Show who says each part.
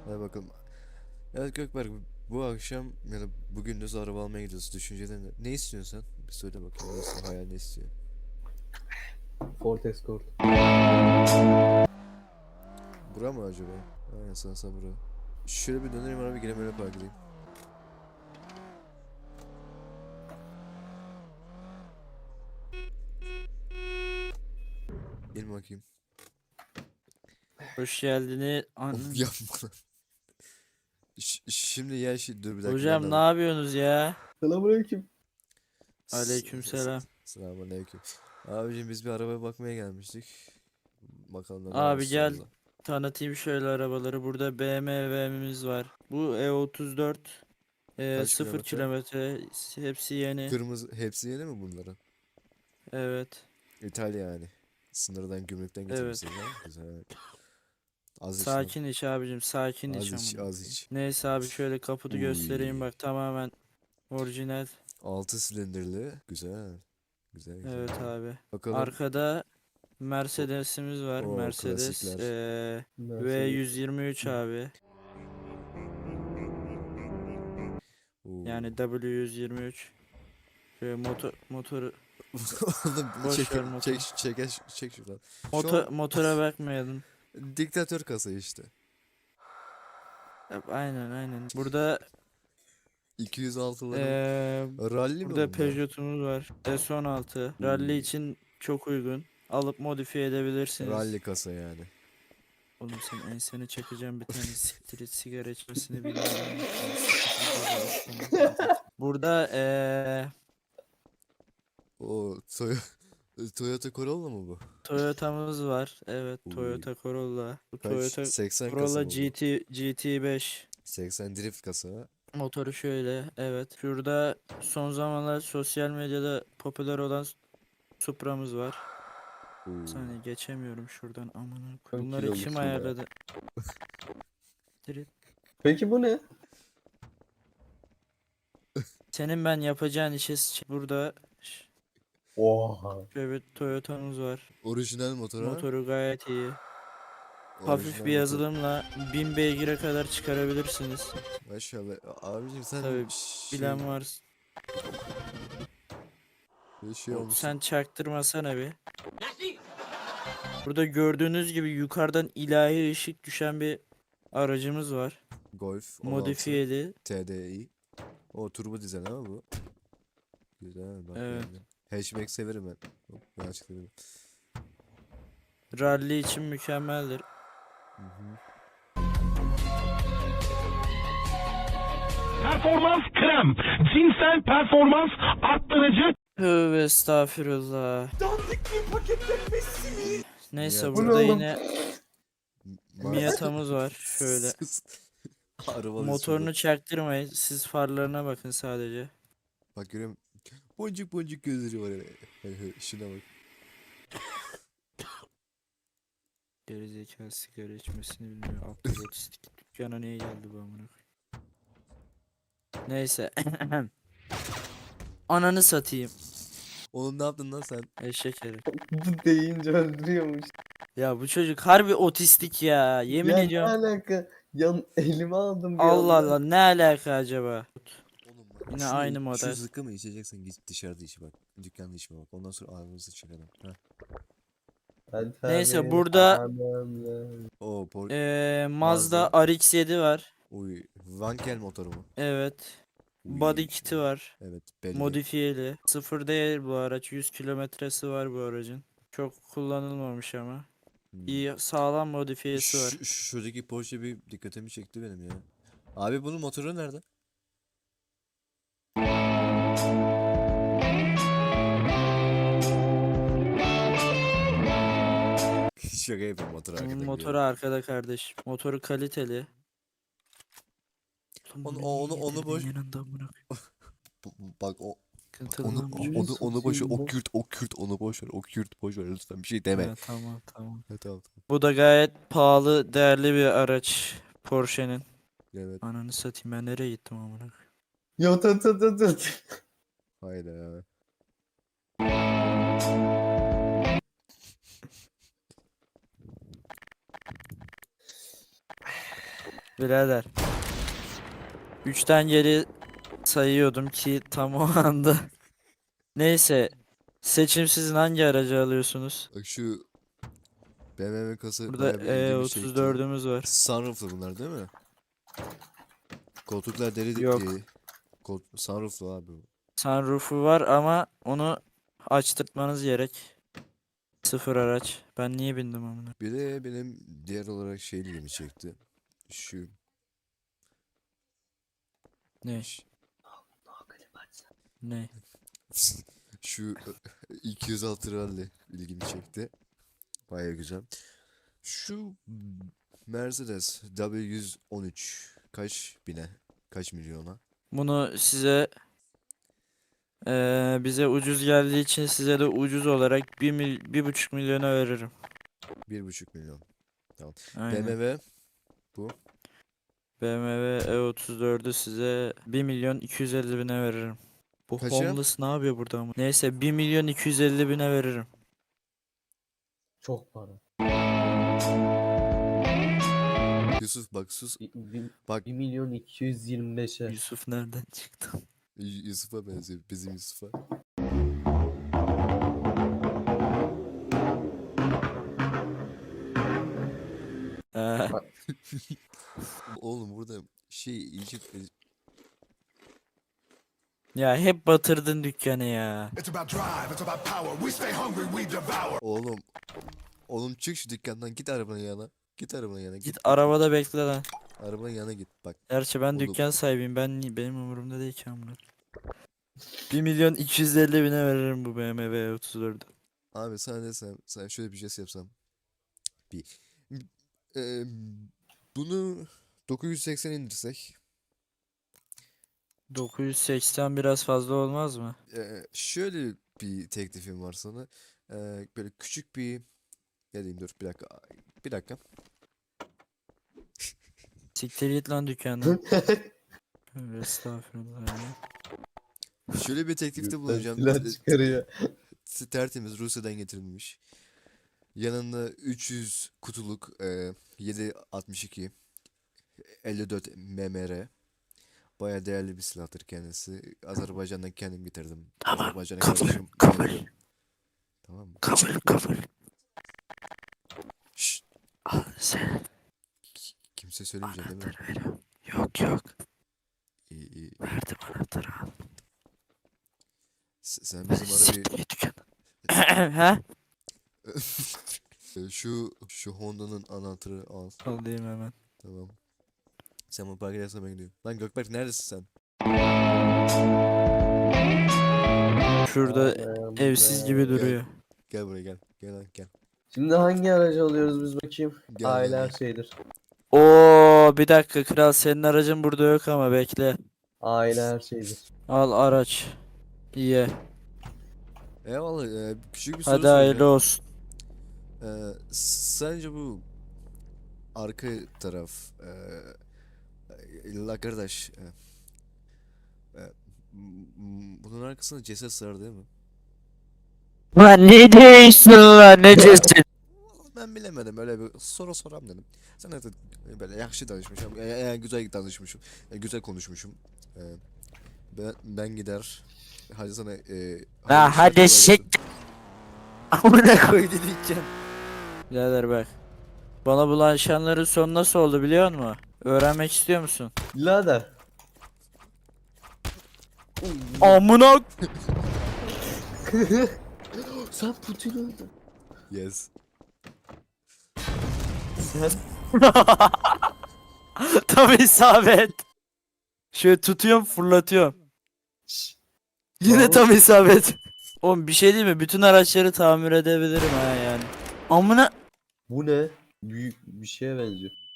Speaker 1: Hadi bakalım. Evet Gökberk, bu akşam ya da bugün de araba almaya gidiyoruz. Düşüncelerin ne istiyorsun sen? Bir söyle bakayım, nasıl hayal, ne istiyor?
Speaker 2: Ford Escort.
Speaker 1: Bura mı acaba? Aynen, sanırsam bura. Şöyle bir dönerim abi, gireyim öyle park edeyim. Gelin bakayım.
Speaker 3: Hoş geldiniz.
Speaker 1: Of, yapma lan. Şimdi ya dur bir dakika, ben de
Speaker 3: Hocam ne
Speaker 1: alayım.
Speaker 3: yapıyorsunuz ya?
Speaker 2: Selamünaleyküm.
Speaker 3: Aleykümselam.
Speaker 1: Selamünaleyküm. Abicim, biz bir arabaya bakmaya gelmiştik. Bakalım da ne var
Speaker 3: Abi gel
Speaker 1: solda.
Speaker 3: tanıtayım şöyle arabaları. Burada BMW'miz var. Bu E34
Speaker 1: Kaç
Speaker 3: 0
Speaker 1: kilometre?
Speaker 3: kilometre, hepsi yeni.
Speaker 1: Kırmızı hepsi yeni mi bunların?
Speaker 3: Evet.
Speaker 1: İtalya yani. Sınırdan, gümrükten
Speaker 3: Evet.
Speaker 1: getirmişsiniz ha. Güzel. Az iç lan.
Speaker 3: Sakin iç abicim, sakin
Speaker 1: Az
Speaker 3: iç
Speaker 1: iç,
Speaker 3: amına
Speaker 1: az
Speaker 3: koyayım.
Speaker 1: iç.
Speaker 3: Neyse abi, şöyle kaputu göstereyim,
Speaker 1: Uy.
Speaker 3: bak tamamen orijinal.
Speaker 1: 6 silindirli. Güzel. Güzel güzel.
Speaker 3: Evet abi.
Speaker 1: Bakalım.
Speaker 3: Arkada
Speaker 1: O,
Speaker 3: Mercedes'imiz var.
Speaker 1: o
Speaker 3: Mercedes
Speaker 1: klasikler.
Speaker 2: Mercedes.
Speaker 3: V123 abi.
Speaker 1: Oo.
Speaker 3: Yani W123. Şöyle motoru
Speaker 1: Oğlum,
Speaker 3: boş ver motor.
Speaker 1: çek şuradan. Şu an
Speaker 3: Motora bakmayalım.
Speaker 1: diktatör kasa işte.
Speaker 3: Aynen aynen. Burada
Speaker 1: 206'ların
Speaker 3: eee
Speaker 1: rally mi
Speaker 3: burada
Speaker 1: bunlar?
Speaker 3: Peugeot'umuz var. S16. Rally
Speaker 1: Uy.
Speaker 3: için çok uygun. Alıp modifiye edebilirsiniz.
Speaker 1: Rally kasa yani.
Speaker 3: Oğlum sen ensene çakacağım bir tane, siktir et, sigara içmesini bilmiyorum. Burada
Speaker 1: O Toyota Corolla mı bu?
Speaker 3: Toyota'mız var. Evet,
Speaker 1: Uy.
Speaker 3: Toyota Corolla. Bu
Speaker 1: Kaç?
Speaker 3: Toyota
Speaker 1: 80 kasa
Speaker 3: Corolla
Speaker 1: mı bu?
Speaker 3: GT5.
Speaker 1: 80 drift kasa.
Speaker 3: Motoru şöyle, evet. Şurada son zamanlar sosyal medyada popüler olan Supra'mız var. Bir
Speaker 1: Oo.
Speaker 3: saniye, geçemiyorum şuradan, amına koyayım.
Speaker 2: 10
Speaker 3: Bunları kim
Speaker 2: kiloluk ya.
Speaker 3: ayarladı? Direkt.
Speaker 2: Peki bu ne?
Speaker 3: Senin ben yapacağın işe burada
Speaker 2: Oha.
Speaker 3: şöyle bir Toyota'mız var.
Speaker 1: Orijinal motor ha?
Speaker 3: Motoru gayet iyi. Hafif
Speaker 1: Orijinal
Speaker 3: bir
Speaker 1: motor.
Speaker 3: yazılımla 1000 beygire kadar çıkarabilirsiniz.
Speaker 1: Maşallah. Abicim sen
Speaker 3: Tabii bilen var.
Speaker 1: bir şey olmuşsun.
Speaker 3: Sen çaktırmasana bir. Burada gördüğünüz gibi yukarıdan ilahi ışık düşen bir aracımız var.
Speaker 1: Golf 16
Speaker 3: Modifiyeli.
Speaker 1: TDI. O turbo dizel ama bu. Güzel, bak
Speaker 3: Evet.
Speaker 1: beğendim. Hatchback severim ben. Hop, ben açıkladım.
Speaker 3: Rally için mükemmeldir.
Speaker 1: Hı hı.
Speaker 4: Performans krem. Cinsel performans arttırıcı.
Speaker 3: Tövbe estağfirullah. Neyse,
Speaker 1: Miata.
Speaker 2: Bu ne
Speaker 3: burada
Speaker 2: oğlum?
Speaker 3: yine Miata'mız var. Şöyle.
Speaker 1: Sus. Arabalı
Speaker 3: Motorunu
Speaker 1: şurada.
Speaker 3: çaktırmayın. Siz farlarına bakın sadece.
Speaker 1: Bak görüyorum. Boncuk boncuk gözleri var. Şuna bak.
Speaker 3: Gerizekalı, sigara içmesini bilmiyor. Aptal otistik. Dükkana niye geldi bu amına koyayım? Neyse. Ananı satayım.
Speaker 1: Oğlum, ne yaptın lan sen?
Speaker 3: Eşek herif.
Speaker 2: Bu deyince öldürüyormuş.
Speaker 3: Ya bu çocuk harbi otistik ya. Yemin
Speaker 2: Ya ne
Speaker 3: ediyorum.
Speaker 2: alaka? Yan elime aldım bir
Speaker 3: Allah
Speaker 2: anda.
Speaker 3: Allah, ne alaka acaba?
Speaker 1: Oğlum bak,
Speaker 3: Yine aynı
Speaker 1: şu
Speaker 3: model.
Speaker 1: zıkkımı içeceksen git dışarıda iç bak. Dükkanda içme bak. Ondan sonra ağzımızı çıkaralım. Ha.
Speaker 3: Neyse, burada
Speaker 1: O
Speaker 3: Mazda RX-7 var.
Speaker 1: Uy, Wankel motoru mu?
Speaker 3: Evet.
Speaker 1: Uy,
Speaker 3: Body kit'i var.
Speaker 1: evet, belli.
Speaker 3: Modifiyeli. Sıfır değil bu araç. 100 kilometresi var bu aracın. Çok kullanılmamış ama.
Speaker 1: Hmm.
Speaker 3: İyi, sağlam modifiyesi var.
Speaker 1: Şuradaki Porsche bir dikkatimi çekti benim ya. Abi, bunun motoru nerede? Şaka yapıyorum, motor arkada
Speaker 3: Bunun
Speaker 1: gidiyor.
Speaker 3: motoru arkada kardeş. Motoru kaliteli. Oğlum
Speaker 1: Onu
Speaker 3: bunu
Speaker 1: onu
Speaker 3: niye
Speaker 1: onu
Speaker 3: getirdin
Speaker 1: boş.
Speaker 3: yanında amına
Speaker 1: Bak
Speaker 3: koyayım?
Speaker 1: onu boş ver.
Speaker 2: satayım bu.
Speaker 1: O Kürt onu boş ver. O Kürt boş ver, lütfen bir şey deme.
Speaker 3: Evet, tamam tamam.
Speaker 1: Evet, tamam.
Speaker 3: Bu da gayet pahalı, değerli bir araç. Porsche'nin.
Speaker 1: Evet.
Speaker 3: Ananı satayım, ben nereye gittim amına koyayım?
Speaker 2: Ya tut.
Speaker 1: Hayda.
Speaker 3: Birader. 3'ten geri sayıyordum ki tam o anda. Neyse. Seçim sizin, hangi aracı alıyorsunuz?
Speaker 1: Bak şu BMW kasa
Speaker 3: Burada
Speaker 1: bayağı bir ilgimi çekti.
Speaker 3: E34'ümüz var.
Speaker 1: Sunrooflu bunlar değil mi? Koltuklar deri
Speaker 3: Yok.
Speaker 1: değil. Sunrooflu abi bu.
Speaker 3: Sunroof'u var ama onu açtırtmanız gerek. Sıfır araç. Ben niye bindim amına?
Speaker 1: Bir de benim diğer olarak şey ilgimi çekti. Şu
Speaker 3: Ne? Ne?
Speaker 1: şu 206 rally ilgimi çekti. Baya güzel. Şu Mercedes W113 kaç bine? Kaç milyona?
Speaker 3: Bunu size bize ucuz geldiği için size de ucuz olarak 1,5 milyona veririm.
Speaker 1: 1,5 milyon.
Speaker 3: Aynen.
Speaker 1: BMW bu.
Speaker 3: BMW E34'ü size 1 milyon 250 bine veririm. Bu
Speaker 1: Kaça?
Speaker 3: homeless ne yapıyor burada ama? Neyse 1 milyon 250 bine veririm.
Speaker 2: Çok para.
Speaker 1: Yusuf bak sus.
Speaker 2: Bak 1 milyon 225'e.
Speaker 3: Yusuf nereden çıktı?
Speaker 1: Yusuf'a benziyor. Bizim Yusuf'a.
Speaker 3: Ee,
Speaker 1: Oğlum burada şey iyice
Speaker 3: ya hep batırdın dükkanı ya.
Speaker 5: It's about drive, it's about power. We stay hungry, we devour.
Speaker 1: oğlum çık şu dükkandan, git arabanın yanına. Git arabanın yanına,
Speaker 3: Git arabada bekle lan.
Speaker 1: arabanın yanına git bak.
Speaker 3: Gerçi ben
Speaker 1: Oğlum.
Speaker 3: dükkan sahibiyim. Benim umurumda değil ki amına. 1 milyon 250 bine veririm bu BMW E34'ü.
Speaker 1: Abi sana desem, sana şöyle bir jest yapsam. Bir Eee, bunu 980 indirsek,
Speaker 3: 980 biraz fazla olmaz mı?
Speaker 1: şöyle bir teklifim var sana. Böyle küçük bir, ne diyeyim, dur bir dakika.
Speaker 3: Siktir git lan dükkandan. Tövbe estağfurullah ya.
Speaker 1: Şöyle bir teklifte bulunacağım.
Speaker 2: Silah çıkarıyor.
Speaker 1: Tertemiz Rusya'dan getirilmiş. Yanında 300 kutuluk 7.62 54 MMR. Baya değerli bir silahtır kendisi. Azerbaycan'dan kendim getirdim. Azerbaycan'a kardeşim. Tamam mı?
Speaker 3: Kabul.
Speaker 1: Şşt,
Speaker 3: Al sen.
Speaker 1: kimse söylemeyecek değil mi?
Speaker 3: Veriyorum. Yok.
Speaker 1: İyi.
Speaker 3: Verdim anahtarı al.
Speaker 1: Sen bizim ara bir
Speaker 3: git dükkanı. Ha?
Speaker 1: şu Honda'nın anahtarı al.
Speaker 3: Alayım hemen.
Speaker 1: Tamam. Sen bu park edersen ben gidiyorum. Lan Gökberk neredesin sen?
Speaker 3: Şurada
Speaker 2: Aman
Speaker 3: evsiz
Speaker 2: be.
Speaker 3: gibi duruyor.
Speaker 1: Gel buraya gel. Gel lan gel.
Speaker 2: Şimdi hangi aracı alıyoruz biz bakayım?
Speaker 1: Gel,
Speaker 2: Aile
Speaker 1: gel,
Speaker 2: her
Speaker 1: gel.
Speaker 2: şeydir.
Speaker 3: Oo, bir dakika kral, senin aracın burada yok ama bekle.
Speaker 2: Aile her şeydir.
Speaker 3: Al araç. İyi.
Speaker 1: Eyvallah. Küçük bir soru
Speaker 3: Hadi hayırlı
Speaker 1: soracağım.
Speaker 3: olsun.
Speaker 1: Sence bu arka taraf la kardeş bunun arkasında ceset sığar değil mi?
Speaker 3: Lan ne diyorsun lan, ne diyorsun?
Speaker 1: Vallahi ben bilemedim, öyle bir soru soram dedim. Sen de böyle yakşı danışmışım, güzel danışmışım, güzel konuşmuşum. Ben gider. Hadi sana
Speaker 3: Ha hadi
Speaker 1: kolay
Speaker 3: sik.
Speaker 1: gelsin.
Speaker 3: Amına koydu diyeceğim. Birader bak. Bana bulaşanların sonu nasıl oldu biliyor musun? Öğrenmek istiyor musun?
Speaker 2: Birader.
Speaker 3: Amına.
Speaker 2: Sen Putin öldün.
Speaker 1: Yes.
Speaker 2: Sen
Speaker 3: Tam isabet. Şöyle tutuyorum, fırlatıyorum. Yine
Speaker 2: Bravo.
Speaker 3: tam isabet. Oğlum bir şey değil mi? Bütün araçları tamir edebilirim ha yani. Amına.
Speaker 2: bu ne? Büyük bir şeye benziyor.